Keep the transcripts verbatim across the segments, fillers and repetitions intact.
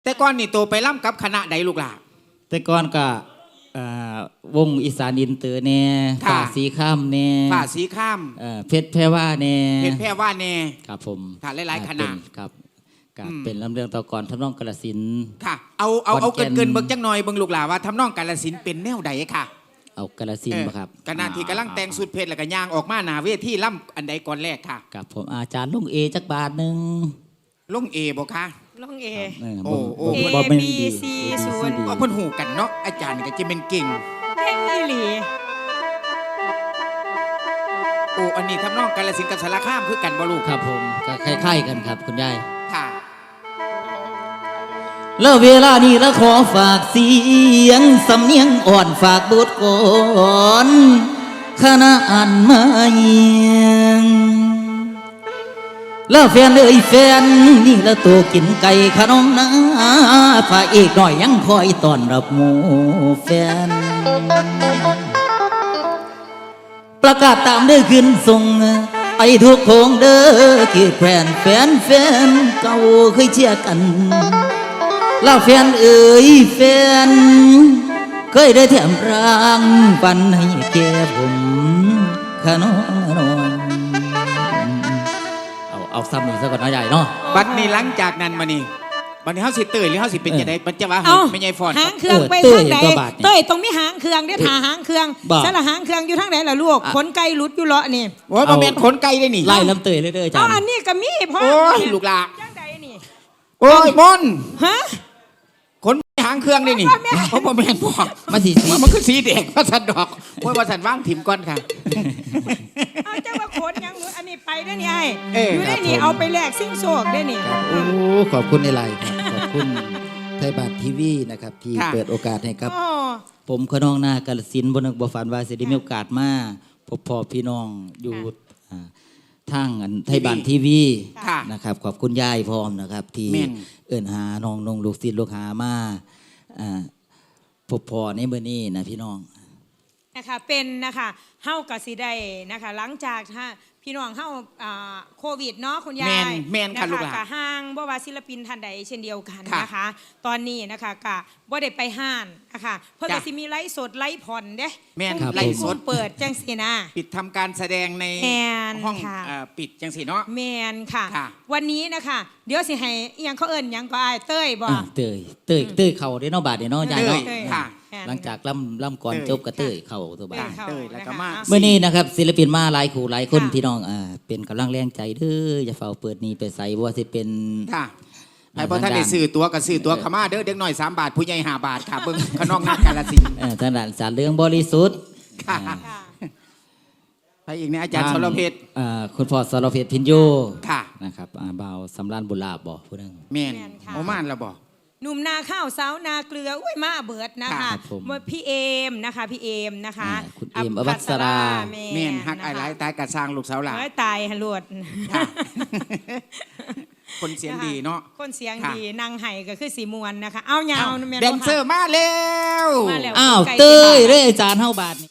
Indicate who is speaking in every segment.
Speaker 1: แต่ก่อนนี่โตไปล่ำกับคณะใดลูกหล่ะ
Speaker 2: แต่ก่อนก็วงอีสานอินเตอร์แน่ฝ่าสีข้ามแน่
Speaker 1: ฝ่าสีข้าม
Speaker 2: เพชรแพรว่าแน่
Speaker 1: เพชรแพรว่าแน่
Speaker 2: ครับผม
Speaker 1: ค่ะหลายๆคณะ
Speaker 2: ครับก็เป็นลำเรื่องต่อก่อนทำนองกาฬสินธุ์
Speaker 1: ค่ะเอาเอาเอาเกินเกินเบิ่งจังหน่อยเบิ่งลูกหล่ะว่าทำนองกาฬสินธุ์เป็นแนวใดค่ะ
Speaker 2: เอากาฬสินธุ์บ่ครับ
Speaker 1: คณะที่กำลังแต่งสุดเพชรแล้วก็ย่างออกมาหน้าเวทีล่ำอันใดก่อนแรกค่ะ
Speaker 2: กับผมอาจารย์ลุงเอจักบาทนึง
Speaker 1: ลุงเอบ่คะ
Speaker 3: ลุงเอ
Speaker 1: โอ้โอ้
Speaker 3: A B C ศูนย์
Speaker 1: เพิ่นฮู้กันเนาะอาจารย์ก็จะเป็นเก่ง
Speaker 3: เก่งอีหลี
Speaker 1: โอ้อันนี้ทำนองกาฬสินธุ์กับสารคามคือกันบ่ลูก
Speaker 2: ครับผมก็คล้ายๆกันครับคุณยาย
Speaker 1: ค่ะ
Speaker 2: แล้วเวลานี้ละขอฝากเสียงสำเนียงอ่อนฝากบทก่อนคณะอ่านมาเยียงแล้วแฟนเอ้ยแฟนนี่ละตัวกินไก่ขนมนะพระเอกหน่อยยังคอยต้อนรับหมู่แฟนประกาศตามเด้อขึ้นส่งไปทุกโคงเด้อคือแฟนแฟนแฟนเก่าเคยเชียร์กันแล้วแฟนเอ๋ยแฟนเคยได้แถมร่างปันให้แก่ผมขนมนอนเอาเอาซ้ำหนึ่งซะก่อนนะใหญ่เนาะ
Speaker 1: บัดนี้หลังจากนั้นมานี่บัดนี้เฮาสิเตยหรือเฮาสิเป็นจังได๋มันจะว่าไม่ใหญ่ฟอน
Speaker 3: หางเครื่องไปทางใดเตยตรงนี้หางเครื่องได้ถ่าหางเครื่องสระหางเครื่องอยู่ทางไหนล่ะลูกขนไก่หลุดอยู่เลาะนี่
Speaker 1: โอ้ยบ่แม่นขนไก่ได้นี่
Speaker 2: ไล่ลำเตยเลยเด้อจ้ะ
Speaker 3: เอาอันนี้ก็มีพ่อ
Speaker 1: โอ้ยลูกหลาน
Speaker 3: จังใดนี่
Speaker 1: โอ้ยมน
Speaker 3: ฮะ
Speaker 1: ขนหางเครื่องได้นี่เพราะบ่แม่นพ่อ
Speaker 2: มาสีสี
Speaker 1: มันคือสีแดงว่าซั่นดอกโอ้ยว่าซั่นว่างถิ่มก่อนค่ะ
Speaker 3: เอาจังว่าขนยังอันนี้ไปได้นี่ไอ้อยู่ได้นี่เอาไปแลกสิ่งโชคได้นี่
Speaker 2: โอ้ขอบคุณในไลน์ครับขอบคุณไทยบัตรทีวีนะครับที่เปิดโอกาสให้ครับผมขน้องนากาฬสินธุ์บ่นึกบ่ฝันว่าสิได้มีโอกาสมาพบพ่อพี่น้องอยู่ทางไทยบัตรทีวีนะครับขอบคุณยายพร้อมนะครับที่เอิ้นหาน้องน้องลูกศิษย์ลูกหามาพบพ่อในมื้อนี้นะพี่น้อง
Speaker 3: นะคะเป็นนะคะเฮาก็สิได้นะคะหลังจากพี่น้องเฮาโควิดเนาะคุณยาย
Speaker 1: แม่นค่ะลูกหลาน
Speaker 3: ก็ห้างบ่ว่าศิลปินท่านใดเช่นเดียวกันนะคะตอนนี้นะคะก็บ่ได้ไปห้างนะคะเพิ่นก็สิมีไลฟ์สดไลฟ์ผ่อนเด้
Speaker 1: แม่นไลฟ์สด
Speaker 3: เปิดจังซี่นะ
Speaker 1: ปิดทำการแสดงในห้องปิดจังซี่เนาะ
Speaker 3: แม่นค่ะวันนี้นะคะเดี๋ยวสิให้อีหยังเขาเอิ้นหยังก็อ้ายเต้ยบ่
Speaker 2: เต้ยเต้ยเต้ยเข้าเด้เนาะบาดนี้เนาะยายเนาะ
Speaker 1: ค่ะ
Speaker 2: หลังจากล่ำล่ำก่อนจบกระเตยเข่าตัวบ้าน
Speaker 1: เตยแล้วก็มา
Speaker 2: เมื่อนี้นะครับศิลปินมาหลายคู่หลายคนพี่น้องอ่าเป็นกำลังแรงใจเด้ออย่าเฝ้าเปิดนี้ไปใส่ว่าสิเป็น
Speaker 1: ค่ะไอ้พอท่านได้ซื้อตัวก็ซื้อตัวขม่าเด้อเด็กหน่อยสามบาทผู้ใหญ่ห้าบาทค่ะเบิ่งขนองนักกาฬสินธุ์
Speaker 2: ท่านด่านสารเรื่องบริสุทธิ์
Speaker 1: ค่ะไปอีกเนี่ยอาจารย์สรเพชร
Speaker 2: คุณพ่อสรเพชรพินโย
Speaker 1: ค่ะ
Speaker 2: นะครับบ่าวสำรานบุญลาบบ่ผู้นึง
Speaker 1: แม่นโอมานแล้วบ่
Speaker 3: หนุ่มนาข้าวสาวนาเกลืออุ้ยมาเบิดนะคะพี่เอมนะคะพี่เอมนะคะ
Speaker 2: คุณเอมอภัสรา
Speaker 1: แม่นฮักไอ้หลายตายกระซางลูกสาวหลาน
Speaker 3: ตายฮะลวด
Speaker 1: คนเสียงดีเนาะ
Speaker 3: คนเสียงดีนางไห้ก็คือสีมวนนะคะเอายาว
Speaker 1: แดนเซอร์มาเร็ว
Speaker 2: อ้าวเต้ยเร่จานเฮาบาท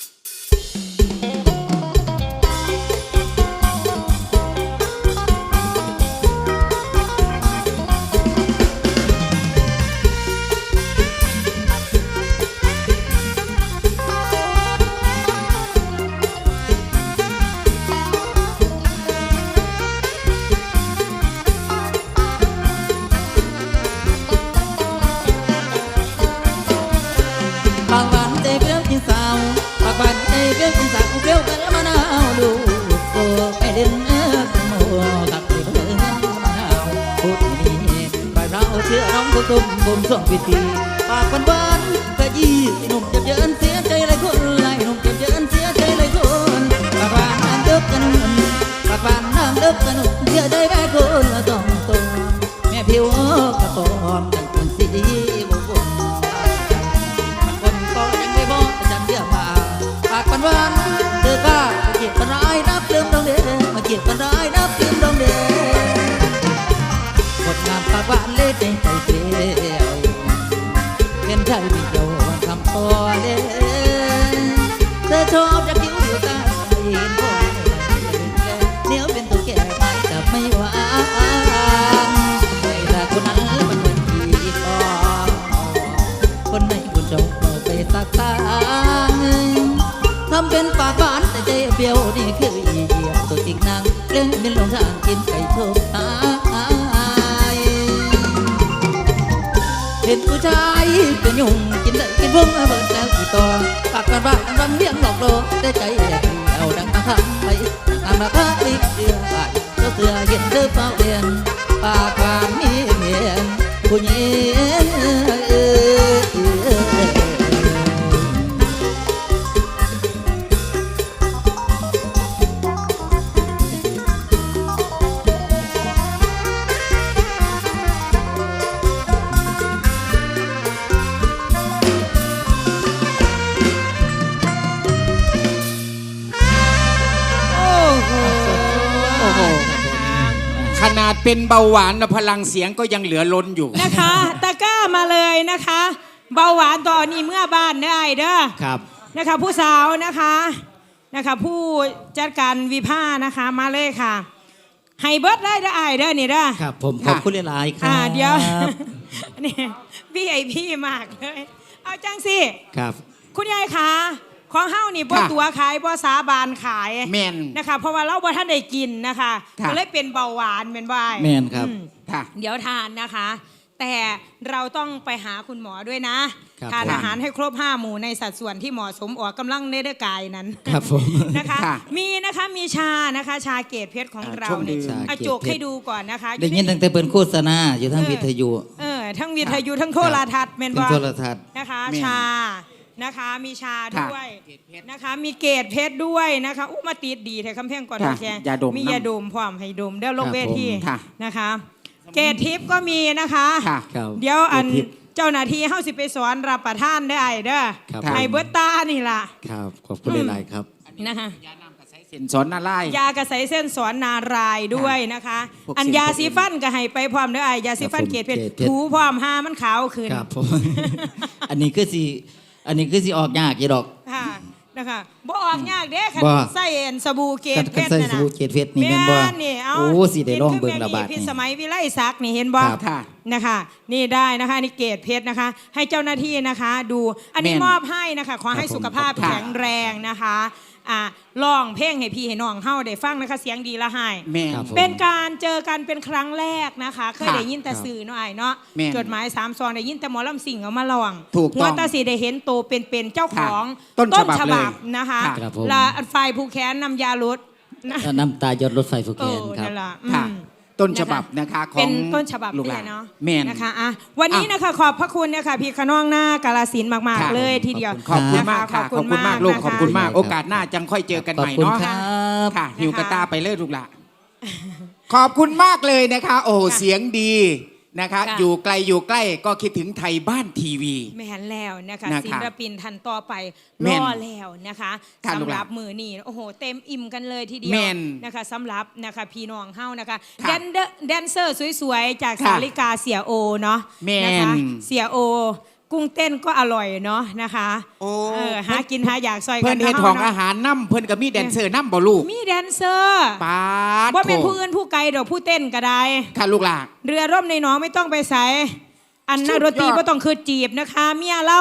Speaker 2: ตุ้มผมส่งพิธีปากวันวันกะยี่หนุ่มจะเยินเสียใจเลยคนไรหนุ่มจะเยินเสียใจเลยคนปากหวานน้ำเลิกกันปากหวานน้ำเลิกกันเสียใจแม่คนละต้องตัวแม่ผิวกระปอมดังคนสีบุบมันคนก็ยังไม่บอกจำเดียวมาปากวันวันเธอข้ามาเกียดกันร้ายนับลืมตรงเดิมมาเกียดกันร้ายนับลืมตรงเดิมคนงามปากหวานเล่นใจเสียวเป็นใจไม่โยนคำตัวเล่เธอชอบจะคิ้วอยู่ตาเห็นพ่อเดี๋ยวเป็นตัวแก่ไปแต่ไม่หวานไม่แต่คนนั้นมันเหมือนที่เป็นไก่ชมตายเห็นผู้ชายเป็นยุ่งกินได้กินพุ่งเบิดแล้วกี่ต่อปากกันบ้างรำเลียงหลอกโลได้ใจแอบเอาดังมาทำไปตามราคาอีกเดือนเจ้าเสือเห็นเธอเฝ้าเรียนปากความมีเมียนผู้หญิง
Speaker 1: ขนาดเป็นเบาหวานนะพลังเสียงก็ยังเหลือล้นอยู่
Speaker 3: นะคะตะกร้ามาเลยนะคะ เบาหวานตอนนี้เมื่อบ้านได้เด้อ
Speaker 2: ครับ
Speaker 3: นะคะผู้สาวนะคะนะคะผู้จัดการวิภานะคะมาเลยค่ะไฮเบิร์ดได้ได้เด้อนี่เด้อ
Speaker 2: ครับผมขอบคุณหลายๆครั
Speaker 3: อ่า
Speaker 2: บ
Speaker 3: เดี๋ยว นี่พี่ไอพี่มากเลยเอาจังสิ
Speaker 2: ครับ
Speaker 3: คุณยายคะของเฮ้านี่บ่
Speaker 1: ค่ะ
Speaker 3: ตัวขายบ่สาบานขาย
Speaker 1: แม่น
Speaker 3: นะคะเพราะว่าเราบ่ท่านได้กินนะคะ
Speaker 1: ค่ะ
Speaker 3: ก็เลยเป็นเบาหวานเป็นว่า
Speaker 2: แม่นครับ
Speaker 3: อืม
Speaker 1: ค่ะ
Speaker 3: เดี๋ยวทานนะคะ แต่เราต้องไปหาคุณหมอด้วยนะ
Speaker 2: ครับ
Speaker 3: ทาน
Speaker 2: ผม
Speaker 3: อาหารให้ครบห้าหมู่ในสัดส่วนที่เหมาะสมออกกำลังในร่างกายนั้น
Speaker 2: ครับผม
Speaker 3: นะคะ
Speaker 1: ค่ะ
Speaker 3: มีนะคะมีชานะคะ ชาเกตเพชรของ
Speaker 1: อ่า
Speaker 3: เรา
Speaker 1: ช่วง
Speaker 3: เนี่ย
Speaker 1: ดื่ม
Speaker 3: อาจกให้ดูก่อนนะคะ
Speaker 2: ได้ยินตั้งแต่เปิดโฆษณาอยู่ทั้งวิทยุ
Speaker 3: เออทั้งวิทยุทั้งโทรทัศน์เมน
Speaker 2: ทั้ง
Speaker 3: บอ
Speaker 2: โทรทัศน์
Speaker 3: นะคะ
Speaker 1: แม่น
Speaker 3: ชานะคะมีชา
Speaker 1: ค่ะ
Speaker 3: ด้วยนะคะ มีเกตเพชรด้วยนะคะอู้มาติดดีแถคำเพ่งก่อน
Speaker 1: ค่ะ
Speaker 3: แชร์
Speaker 1: ยาดม
Speaker 3: มี
Speaker 1: น้ำ
Speaker 3: ยาดมพร้อมให้ดมเดี๋ยวลง
Speaker 2: ครับ
Speaker 3: เวที
Speaker 1: ผมค่ะ
Speaker 3: นะคะ เกตทิพย์ก็มีนะคะ
Speaker 1: ค่ะ
Speaker 2: ครับ
Speaker 3: เดี๋ยวอัน
Speaker 2: เกรดทิพย์
Speaker 3: เจ้าหน้าที่เฮาสิไปสอนรับประทานได้เด้อ
Speaker 2: ครับ
Speaker 3: ไฮเบิร์ตตานี่ล่ะ
Speaker 2: ครับขอบคุณหลายๆครับ
Speaker 3: นะคะ
Speaker 1: ยาน้ำกระใสเส้นสอนหน้าไล่
Speaker 3: ยากระใสเส้นสอนนารายณ์ด้วยนะคะ
Speaker 1: พวก
Speaker 3: อัน
Speaker 1: สิ่ง
Speaker 3: ยา
Speaker 1: พวก
Speaker 3: สีฟันก็ให้ไปพร้อมเด้อไอ้ยาสีฟัน
Speaker 2: ครับผม
Speaker 3: เกรดเพชร
Speaker 2: เกรดเพชร
Speaker 3: ถูพร้อมหามันขาวขึ้น
Speaker 2: ครับผม อันนี้คือสิอันนี้คือสิออกยากกี่ดอก
Speaker 3: ค่ะนะคะบ่ออกยากเด้คัน
Speaker 2: บ่
Speaker 3: ใส่เอ็นสบู่เกร
Speaker 2: กั
Speaker 3: ด
Speaker 2: น
Speaker 3: เพ
Speaker 2: กัน
Speaker 3: ชร
Speaker 2: ใส่
Speaker 3: น่ะ
Speaker 2: ส
Speaker 3: นะ
Speaker 2: บู่เกตเพชรนี่แม่นบ่
Speaker 3: นี่เอา
Speaker 2: โอ้สิได้ลองเบิ่งระบาด
Speaker 3: พิ
Speaker 2: นี่
Speaker 3: สมัยวิไลศักดิ์นี่เห็นบ่
Speaker 2: ครับ
Speaker 1: ค่ะ
Speaker 3: นะคะ นี่ได้นะคะนี่เกรดเพชรนะคะ ให้เจ้าหน้าที่นะคะดู อันนี้
Speaker 1: แม่น
Speaker 3: มอบให้นะคะขอให้
Speaker 2: ครับผม
Speaker 3: สุขภาพ
Speaker 1: ค่ะ
Speaker 3: แข็งแรงนะคะอ่าร้องเพลงให้พี่ให้น้องเฮาได้ฟังนะคะเสียงดีละให้
Speaker 1: แม่น
Speaker 2: ครับผม
Speaker 3: เป็นการเจอกันเป็นครั้งแรกนะคะเคย
Speaker 1: ค่ะ
Speaker 3: ได้ยินแต่สื่อเนาะไอ้เนาะ
Speaker 1: แม่น
Speaker 3: จดหมายสามซองได้ยินแต่หมอลำสิ่งเอามาลอง
Speaker 1: ถูกต้อง
Speaker 3: หัวตาสีได้เห็นโตเป็นๆเจ้าของ
Speaker 1: ค่ะต้นฉบับ
Speaker 3: ฉบับ
Speaker 1: เลย
Speaker 3: นะคะ
Speaker 1: ค่ะ
Speaker 2: ครับผม
Speaker 3: และฝ่ายผู้แค้นนำยาลดนะ
Speaker 2: น้ำตายอดรถไฟฟู
Speaker 3: เอ
Speaker 2: เคน
Speaker 3: อ
Speaker 2: ครับ
Speaker 3: นั่นแหละ
Speaker 1: ค่ะ
Speaker 3: อืม
Speaker 1: ต้นฉบับนะคะของ
Speaker 3: เป็นต้นฉบับ
Speaker 1: ลูก
Speaker 3: เล
Speaker 1: หลาย น
Speaker 3: เนาะ
Speaker 1: แม่น
Speaker 3: นะคะอ่ะวันนี้
Speaker 1: อ่ะ
Speaker 3: นะคะขอบพระคุณเนี่ยค่ะพี่ขน้องหน้ากาลสินธุ์มาก
Speaker 1: ค่ะ
Speaker 3: ๆเลยทีเดียว
Speaker 1: ขอบคุณมากค่ะ
Speaker 3: น
Speaker 1: ขอบคุณมากลูก
Speaker 3: นะะ
Speaker 1: ขอบคุณมาก
Speaker 2: ครับ
Speaker 1: โอกาสหน้าจังค่อยเจอกันใหม่
Speaker 2: ขอบคุณ
Speaker 1: เนาะ
Speaker 2: ครับ
Speaker 1: ค่ะหิวกระตาไปเลยลูกหละขอบคุณมากเลยนะคะ โอ้โหเสียงดีนะคะ
Speaker 3: ค่ะ
Speaker 1: อยู่ไกลอยู่ใกล้ก็คิดถึงไทยบ้านทีวี
Speaker 3: แม่นแล้วนะคะ
Speaker 1: นะคะ
Speaker 3: ศิลปินทันต่อไป
Speaker 1: แม่
Speaker 3: ร
Speaker 1: น
Speaker 3: อแล้วนะคะ
Speaker 1: ค่ะลู
Speaker 3: สำ
Speaker 1: กห
Speaker 3: ห
Speaker 1: ลาน
Speaker 3: รับมือนี่โอ้โหเต็มอิ่มกันเลยทีเดียว
Speaker 1: แม่น
Speaker 3: นะคะสำหรับนะคะพี่น้องเฮานะคะ
Speaker 1: ค่ะ
Speaker 3: แดนเดอร์แดนเซอร์สวยๆ จาก
Speaker 1: ค่ะ
Speaker 3: สาริกาเสียโอเนาะ
Speaker 1: แม่น
Speaker 3: นะคะเสียโอ กุ้งเต้นก็อร่อยเนาะนะคะ
Speaker 1: โอ้
Speaker 3: เออหากินหาอยากซอยกั
Speaker 1: เพิ่นเฮ็ด
Speaker 3: าะ
Speaker 1: ของ
Speaker 3: เนาะ
Speaker 1: อาหารน้ำเพิ่นก็มีแดนเซอร์น้ำบ่ลูก
Speaker 3: มีแดนเซอร์
Speaker 1: ปาด
Speaker 3: ว่าเป็น
Speaker 1: โถ
Speaker 3: ผู้อื่นผู้ไกลดอกผู้เต้นก็ได้
Speaker 1: ค่ะลูกหลาน
Speaker 3: เรือร่มในหนองไม่ต้องไปใส่อันนักดนตรี
Speaker 1: สุดยอด
Speaker 3: ก็ต้องคือจีบนะคะ เมียเล่า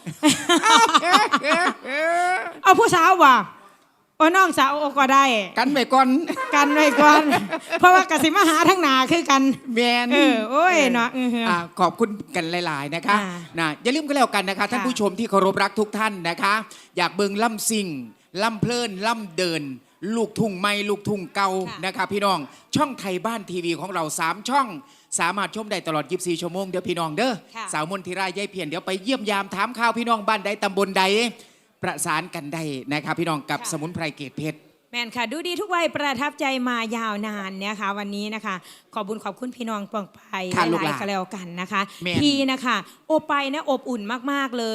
Speaker 3: เอาผู้สาวว่ะโอ้น้องสาวก็ได้
Speaker 1: กันไปก่อน
Speaker 3: กันไว้ก่อน เพราะว่ากสิมาหาทั้งหนาคือกัน
Speaker 1: แมน
Speaker 3: เออโอ้ยเนาะเออเอออ่
Speaker 1: าขอบคุณกันหลาย ๆ นะคะ
Speaker 3: อ่า
Speaker 1: นะอย่าลืมกันแล้วกันนะคะ ท่าน
Speaker 3: ค่ะ
Speaker 1: ผู้ชมที่เคารพรักทุกท่านนะคะ อยากเบิงล่ำซิงล่ำเพลินล่ำเดิน ลูกทุ่งไม่ลูกทุ่งเก่า
Speaker 3: ค่ะ
Speaker 1: นะคะพี่น้องช่องไทยบ้านทีวีของเราสามช่อง สามารถชมได้ตลอดยี่สิบสี่ชั่วโมงเดี๋ยวพี่น้องเด้อ
Speaker 3: ค่ะ
Speaker 1: สาวมนทิรายายเพียนเดี๋ยวไปเยี่ยมยามถามข่าวพี่น้องบ้านใดตำบลใด ประสานกันได้นะคะพี่น้องกับ
Speaker 3: ค่ะ
Speaker 1: สมุนไพรเกตเพชร
Speaker 3: แม่นค่ะดูดีทุกวัยประทับใจมายาวนานนะคะวันนี้นะคะ ขอบุญขอบคุณพี่น้องปองไป
Speaker 1: ค่ะ
Speaker 3: ห
Speaker 1: ลูกห
Speaker 3: ลา
Speaker 1: ลาย น
Speaker 3: ๆก็แล้วกันนะคะ
Speaker 1: แม่น
Speaker 3: พี่นะคะโอไปนะอบอุ่นมากๆเลย